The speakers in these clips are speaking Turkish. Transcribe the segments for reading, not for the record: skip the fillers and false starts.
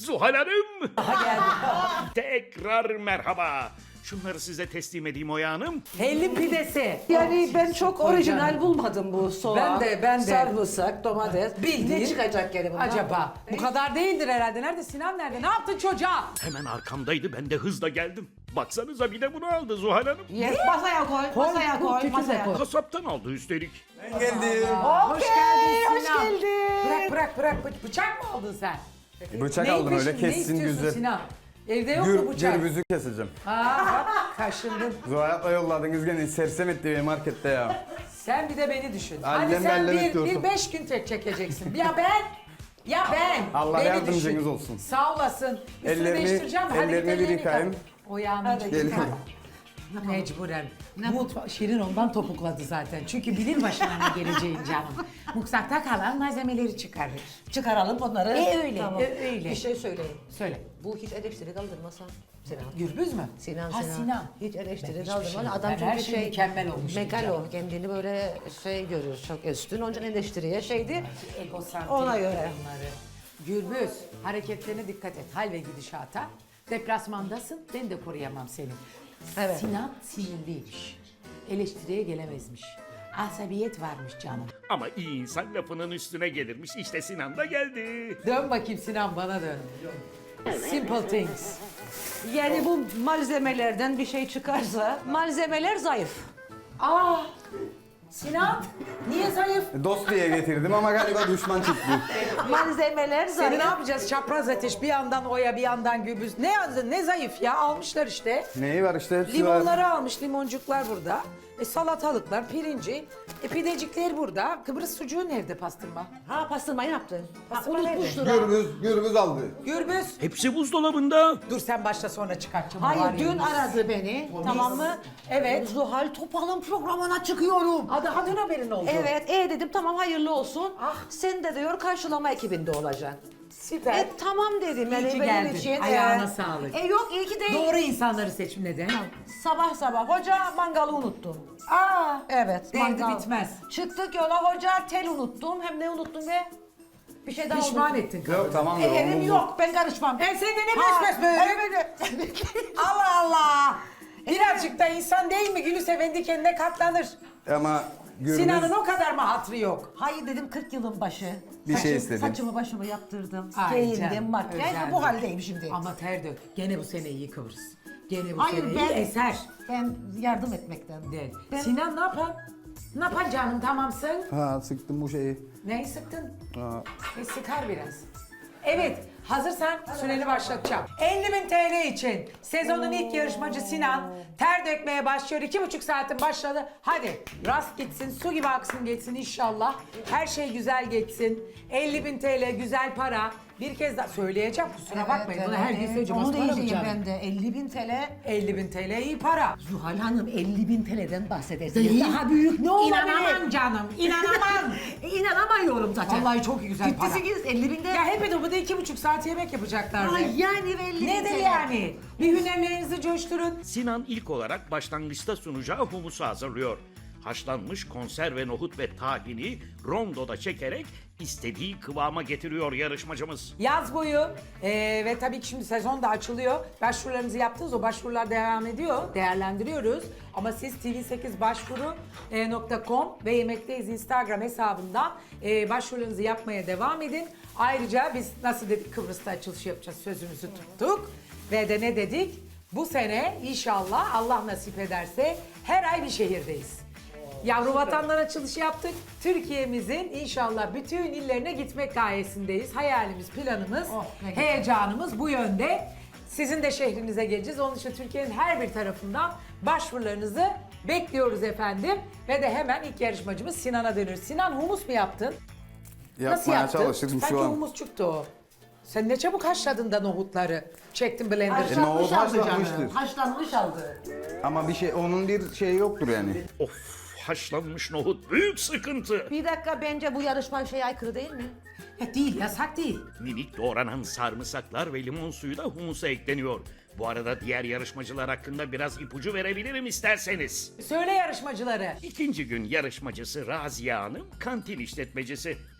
Zuhal Hanım. Aha geldi. Tekrar merhaba. Şunları size teslim edeyim Oya Hanım. Hellim pidesi. Yani ben çok Koy orijinal canım. bulmadım bu soğan. Ben de. Sarımsak, domates. Bildiğin- Ne çıkacak gene bundan? Acaba? Bu kadar değildir herhalde. Nerede Sinan nerede? Ne yaptın çocuğa? Hemen arkamdaydı, ben de hızla geldim. Baksanıza bir de bunu aldı Zuhal Hanım. Yes, masaya koy, masaya bu koy, tütü de masaya koy. koy. Kasaptan aldı üstelik. Ben geldim. Hoş geldin hoş Sinan. geldin. Bırak. Bıçak mı aldın sen? Bıçak Ne aldım öyle istiyorsun? Ne kessin istiyorsun güzel. Sinan? Evde yok mu bıçak? Gürbüzü keseceğim. Aa bak kaşındın. Zuhayat'la yolladınız gene sersem etti beni markette ya. Sen bir de beni düşün. Hadi Allem sen bellem bir ediyorsun. 5 gün tek çekeceksin. Ya ben. Allah Beni yardımcınız düşün. olsun. Sağ olasın. Üstünü Ellerimi- değiştireceğim. Hadi ellerimi ellerini bir yıkayayım. yıka. O yağını Gelin. Mecburen. Şirin ondan topukladı zaten. Çünkü bilir başına ne geleceğin canım. Mutfakta kalan malzemeleri çıkarır. Çıkaralım onları. Öyle, öyle. Bir şey söyleyeyim. Söyle. Bu hiç eleştiri kaldırmasa Sinan. Gürbüz mü? Sinan, Ha Sinan. Sinan. Hiç Ben eleştiri hiçbir kaldırmasa. şey- Adam ben çünkü her şey mükemmel olmuş Megalo. diyeceğim. Kendini böyle şey görür, çok üstün. Onun için eleştiriye şeydi. Egosantrik Ona göre. bunları. Gürbüz, hareketlerine dikkat et. Hal ve gidişata. Deplasmandasın, ben de koruyamam seni. Evet. Sinan sinirliymiş. Eleştiriye gelemezmiş. Asabiyet varmış canım. Ama iyi insan lafının üstüne gelirmiş. İşte Sinan da geldi. Dön bakayım Sinan, bana dön. Simple things. Yani bu malzemelerden bir şey çıkarsa malzemeler zayıf. Aa, Sinan, niye zayıf? Dost diye getirdim ama galiba düşman çıktı. Malzemeler Seni zayıf. ne yapacağız? Çapraz ateş, bir yandan Oya, bir yandan Gürbüz. Ne zayıf ya, almışlar işte. Neyi var işte hepsi var. Limonları almış, limoncuklar burada. Salatalıklar, pirinci, pidecikler burada. Kıbrıs sucuğu nerede pastırma? Ha pastırma yaptın. Ha, Pastırma unutmuştur ha. Gürbüz aldı. Gürbüz. Hepsi buzdolabında. Dur sen başla sonra çıkartacağım. Hayır dün aradı beni. Tamam mı? Evet. Zuhal Topal'ın programına çıkıyorum. Daha dün haberin oldu. Evet, dedim tamam hayırlı olsun. Sen de diyor karşılama ekibinde olacaksın. Süper. Tamam dedim. İyi ki geldin. Ayağına sağlık. Yok iyi ki değil. Doğru insanları seç neden? Sabah hoca mangalı unuttum. Aa. Evet. Derdi mangal. bitmez. Çıktık yola hoca tel unuttum. Hem ne unuttum be? Bir şey daha Pişman unuttum. ettin. Yok tamam da Evim onu yok ben karışmam. Ben seni ne Ha, besbes böyle? evet. Allah Allah. Birazcık da insan değil mi? Gülü sevendi kendine katlanır. Ama Gürbüz Sinan'ın o kadar mı hatrı yok? Hayır dedim 40 yılın başı. Bir şey istedim. Saçımı başımı yaptırdım. Ay Giyindim, canım, makyaj. özendim. Bu haldeyim şimdi. Ama ter dök. Gene bu sene iyi kıvırız. Gene bu Hayır, sene ben- iyi eser. Ben yardım etmekten. De. Ben- Sinan ne yapan? Ne yapan canım tamamsın? Ha sıktım bu şeyi. Neyi sıktın? Ha. Sıkar biraz. Evet, hazırsan süreni başlatacağım. 50.000 TL için sezonun ilk yarışmacı Sinan ter dökmeye başlıyor. 2,5 saatin başladı. Hadi rast gitsin, su gibi aksın geçsin inşallah. Her şey güzel geçsin. 50.000 TL güzel para. Bir kez daha söyleyeceğim kusura bakmayın. Bunu her gün söyleyeceğim. Onu Az para mı diyeceğim canım? ben de. 50.000 TL. 50.000 TL iyi para. Zuhal Hanım 50.000 TL'den bahsedersiniz. Değil. Daha büyük ne olabilir? İnanamam canım, inanamam. İnanamıyorum zaten. Vallahi çok güzel para. Ciddi 50.000'de. Ya hep de bu da 2,5 saat yemek yapacaklardı. Ay yani 50.000 Nedir TL. yani? Bir hünerlerinizi coşturun. Sinan ilk olarak başlangıçta sunacağı humusu hazırlıyor. Haşlanmış konserve nohut ve tahini rondoda çekerek istediği kıvama getiriyor yarışmacımız. Yaz boyu ve tabii ki şimdi sezon da açılıyor. Başvurularınızı yaptınız. O başvurular devam ediyor. Değerlendiriyoruz. Ama siz tv8başvuru.com ve Yemekteyiz Instagram hesabından başvurularınızı yapmaya devam edin. Ayrıca biz nasıl dedik Kıbrıs'ta açılış yapacağız sözümüzü tuttuk. Ve de ne dedik? Bu sene inşallah Allah nasip ederse her ay bir şehirdeyiz. Yavru vatandan açılışı yaptık. Türkiye'mizin inşallah bütün illerine gitmek gayesindeyiz. Hayalimiz, planımız, ne güzel. heyecanımız bu yönde. Sizin de şehrinize geleceğiz. Onun için Türkiye'nin her bir tarafından başvurularınızı bekliyoruz efendim. Ve de hemen ilk yarışmacımız Sinan'a dönüyoruz. Sinan humus mu yaptın? Nasıl Yapmaya yaptın? çalışırım Sanki şu an. humus çıktı o. Sen ne çabuk haşladın da nohutları. Çektin blender'ı. nohut Haşlanmış aldı haşlanmıştır. canım. Haşlanmış aldı. Ama bir şey onun bir şeyi yoktur yani. Of, haşlanmış nohut büyük sıkıntı. Bir dakika bence bu yarışma şeye aykırı değil mi? Ya değil, yasak değil. Minik doğranan sarımsaklar ve limon suyu da humusa ekleniyor. Bu arada diğer yarışmacılar hakkında biraz ipucu verebilirim isterseniz. Söyle yarışmacıları. İkinci gün yarışmacısı Raziye Hanım kantin işletmecisi.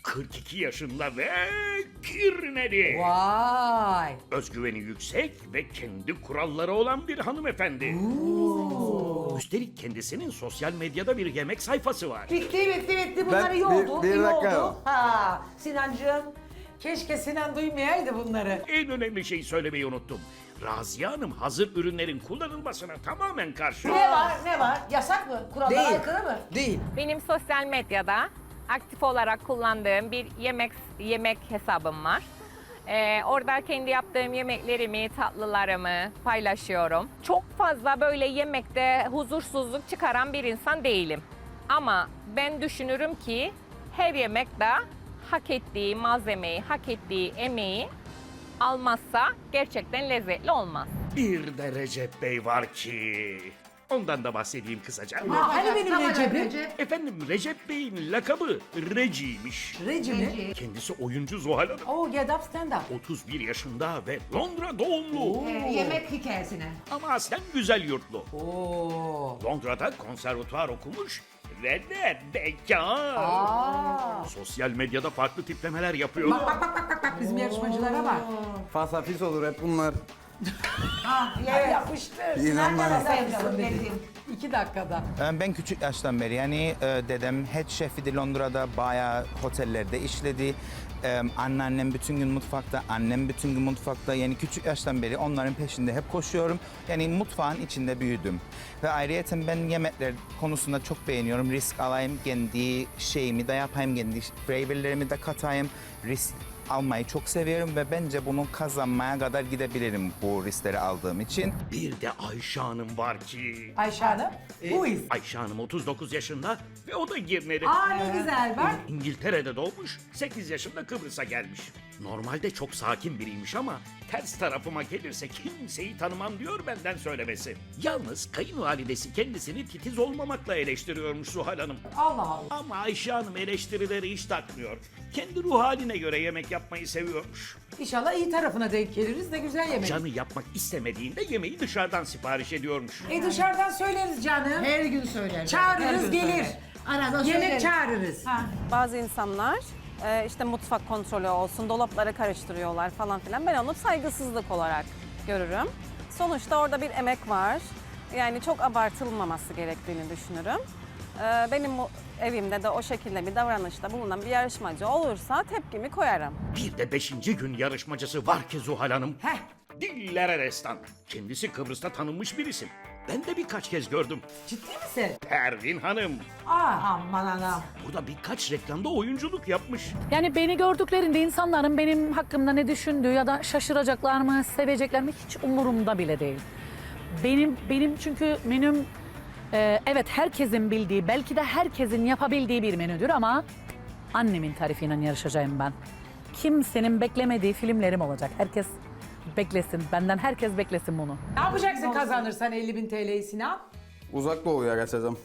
42 yaşında ve kirneli. Vay. Özgüveni yüksek ve kendi kuralları olan bir hanımefendi. Üstelik kendisinin sosyal medyada bir yemek sayfası var. Bitti. Bunlar iyi oldu. bir iyi dakika. oldu. Ha, Sinancığım. Keşke Sinan duymayaydı bunları. En önemli şeyi söylemeyi unuttum. Raziye Hanım hazır ürünlerin kullanılmasına tamamen karşı. Ne var? Yasak mı? Kurallara aykırı mı? Değil. Benim sosyal medyada aktif olarak kullandığım bir yemek hesabım var. Orada kendi yaptığım yemeklerimi, tatlılarımı paylaşıyorum. Çok fazla böyle yemekte huzursuzluk çıkaran bir insan değilim. Ama ben düşünürüm ki her yemekte hak ettiği malzemeyi, hak ettiği emeği almazsa gerçekten lezzetli olmaz. Bir de Recep Bey var ki... Ondan da bahsedeyim kısaca. Hani benim Recep'im? Efendim Recep Bey'in lakabı Reci'ymiş. Reci mi? Kendisi oyuncu Zuhal Hanım. Oh, get up, stand up. 31 yaşında ve Londra doğumlu. Yemek hikayesine. Ama aslen güzel yurtlu. Oo. Londra'da konservatuvar okumuş ve de bekar. Sosyal medyada farklı tiplemeler yapıyor. Bak bizim yarışmacılara bak. Fasafis olur hep bunlar. Ay, yapıştır. İnanmayın. 2 dakikada. Ben küçük yaştan beri yani dedem head chef'iydi Londra'da, bayağı otellerde işledi. Anneannem bütün gün mutfakta, annem bütün gün mutfakta. Yani küçük yaştan beri onların peşinde hep koşuyorum. Yani mutfağın içinde büyüdüm. Ve ayrıca ben yemekler konusunda çok beğeniyorum. Risk alayım, kendi şeyimi de yapayım, kendi flavorlarımı da katayım. Risk almayı çok seviyorum ve bence bunu kazanmaya kadar gidebilirim bu riskleri aldığım için. Bir de Ayşe Hanım var ki... Ayşe Hanım. Who is? Ayşe Hanım 39 yaşında ve o da Girneli. Aa, ne güzel bak. İngiltere'de doğmuş, 8 yaşında Kıbrıs'a gelmiş. Normalde çok sakin biriymiş ama ters tarafıma gelirse kimseyi tanımam diyor benden söylemesi. Yalnız kayınvalidesi kendisini titiz olmamakla eleştiriyormuş Zuhal Hanım. Allah Allah. Ama Ayşe Hanım eleştirileri hiç takmıyor. Kendi ruh haline göre yemek yapmayı seviyormuş. İnşallah iyi tarafına denk geliriz de güzel yemek. Canı yapmak istemediğinde yemeği dışarıdan sipariş ediyormuş. Dışarıdan söyleriz canım. Her gün söyler. Çağırırız gelir. Arada Yemek söyleriz. çağırırız. Bazı insanlar işte mutfak kontrolü olsun, dolapları karıştırıyorlar falan filan. Ben onu saygısızlık olarak görürüm. Sonuçta orada bir emek var. Yani çok abartılmaması gerektiğini düşünürüm. Benim evimde de o şekilde bir davranışta bulunan bir yarışmacı olursa tepkimi koyarım. Bir de 5. gün yarışmacısı var ki Zuhal Hanım. Heh. Dillere destan. Kendisi Kıbrıs'ta tanınmış bir isim. Ben de birkaç kez gördüm. Ciddi misin? Pervin Hanım. Aman anam. Burada birkaç reklamda oyunculuk yapmış. Yani beni gördüklerinde insanların benim hakkımda ne düşündüğü ya da şaşıracaklar mı, sevecekler mi hiç umurumda bile değil. Benim çünkü menüm evet herkesin bildiği, belki de herkesin yapabildiği bir menüdür ama annemin tarifiyle yarışacağım ben. Kimsenin beklemediği filmlerim olacak. Herkes beklesin, benden herkes beklesin bunu. Ne yapacaksın kazanırsan 50.000 TL'yi Sinan? Uzak doğuya kaçacağım.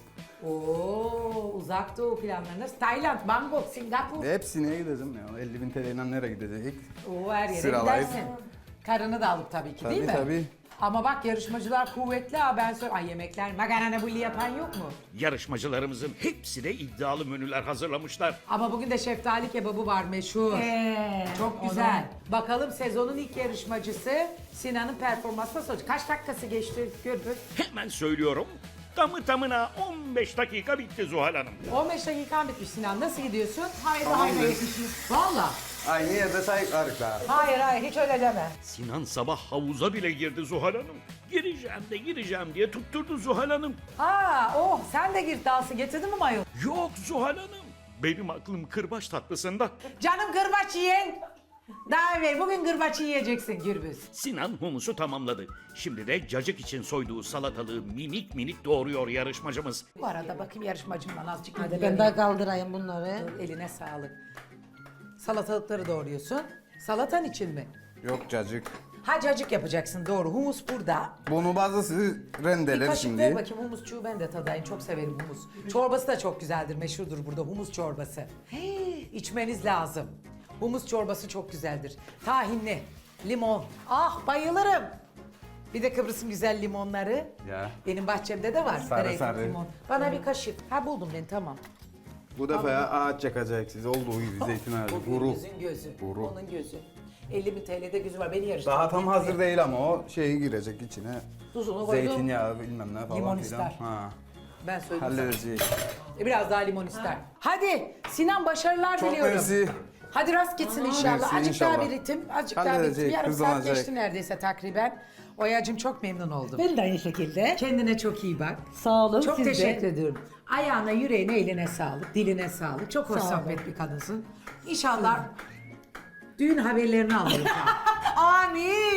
Oo, uzak doğu planlarınız. Tayland, Bangkok, Singapur. Hepsine gideceğim ya. 50.000 TL'yle nereye gidecek? Oo, her yere Sıralayıp. gidersin. Karını da alıp tabii ki değil mi? Tabii. Ama bak yarışmacılar kuvvetli ha ben söyle. Ay yemekler makarna bulli yapan yok mu? Yarışmacılarımızın hepsi de iddialı menüler hazırlamışlar. Ama bugün de şeftali kebabı var meşhur. Çok güzel. Bakalım sezonun ilk yarışmacısı Sinan'ın performansı nasıl olacak? Kaç dakikası geçti Gürbüz? Hemen söylüyorum. Tamı tamına 15 dakika bitti Zuhal Hanım. 15 dakikan bitmiş Sinan. Nasıl gidiyorsun? Tamamdır. Valla. Aynı yerde sayıklarız ha. Hayır hiç öyle deme. Sinan sabah havuza bile girdi Zuhal Hanım. Gireceğim diye tutturdu Zuhal Hanım. Oh sen de gir dansı getirdin mi mayo? Yok Zuhal Hanım. Benim aklım kırbaç tatlısında. Canım gırbaç yiyen. Daha evvel bugün gırbaç yiyeceksin Gürbüz. Sinan humusu tamamladı. Şimdi de cacık için soyduğu salatalığı minik minik doğruyor yarışmacımız. Bu arada bakayım yarışmacımdan azıcık Hadi ilgileneyim. ben de kaldırayım bunları. Eline sağlık. Salatalıkları doğruyorsun. Salatan için mi? Yok cacık. Ha cacık yapacaksın doğru. Humus burada. Bunu bazısı Bir rendeler kaşık ver şimdi. bakayım humusçuğu ben de tadayım. Çok severim humus. Çorbası da çok güzeldir. Meşhurdur burada humus çorbası. İçmeniz lazım. Humus çorbası çok güzeldir. Tahinli, limon. Ah bayılırım. Bir de Kıbrıs'ın güzel limonları. Ya. Benim bahçemde de var. Sarı Zeytin sarı. limon. Bana bir kaşık. Ha buldum ben tamam. Bu defa ya ağaç yakacak siz olduğu gibi zeytin ağacı. O Guru. gözün gözü. Guru. Onun gözü. 50.000 TL'de gözü var. Beni yarıştırdı. Daha tam hazır değil ama o şeyi girecek içine. Tuzunu koydum. Zeytinyağı bilmem ne falan Limon filan. ister. Ha. Ben söyledim sana. Halledeceğiz. Biraz daha limon ister. Hadi Sinan başarılar Çok diliyorum. mersi. Hadi rast gitsin inşallah. Mersi, Azıcık daha inşallah. bir ritim, azıcık daha bir ritim. Halledecek, Yarım saat hızlanacak. geçti neredeyse takriben. Oya'cığım çok memnun oldum. Ben de aynı şekilde. Kendine çok iyi bak. Sağ olun. Çok siz de. teşekkür ediyorum. Ayağına, yüreğine, eline sağlık, diline sağlık. Çok hoş Sağ olun. sohbet bir kadınsın. İnşallah düğün haberlerini alırım. Amin.